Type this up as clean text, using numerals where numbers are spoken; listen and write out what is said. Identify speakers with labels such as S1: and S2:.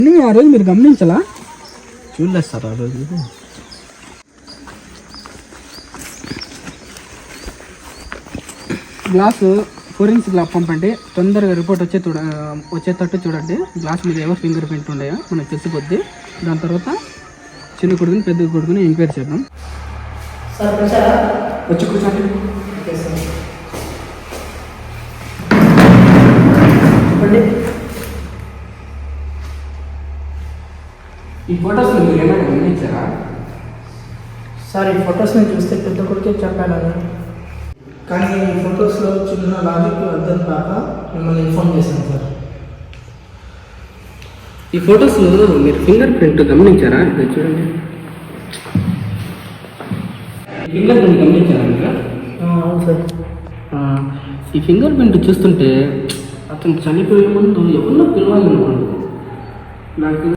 S1: ఆ రోజు మీరు గమనించాలా?
S2: చూడలేదు సార్ ఆ రోజు.
S1: గ్లాసు ఫోరెన్సిక్ ల్యాబ్ పంపండి, తొందరగా రిపోర్ట్ వచ్చేటట్టు చూడండి. గ్లాస్ మీద ఎవరు ఫింగర్ ప్రింట్ ఉన్నాయో మనకు తెలిసిపోద్ది. దాని తర్వాత చిన్న కొడుకుని పెద్ద కొడుకుని ఎంక్వైరీ చేద్దాం. వచ్చి కూర్చోండి. ఈ ఫొటోస్ మీరు ఏమైనా గమనించారా?
S3: సార్ ఈ ఫొటోస్ని చూస్తే పెద్ద కొడుకే చెప్పాను, కానీ ఈ ఫొటోస్లో చిన్న లాజిక్ అర్థం కాక మిమ్మల్ని ఇన్ఫార్మ్ చేశాను సార్.
S1: ఈ ఫొటోస్లో మీరు ఫింగర్ ప్రింట్ గమనించారా? ఇక్కడ చూడండి, ఫింగర్ ప్రింట్ గమనించారా మీరు?
S3: అవును సార్.
S1: ఈ ఫింగర్ ప్రింట్ చూస్తుంటే అతను చనిపోయే ముందు ఎవరినో పిలవాలనుకోండి నాకు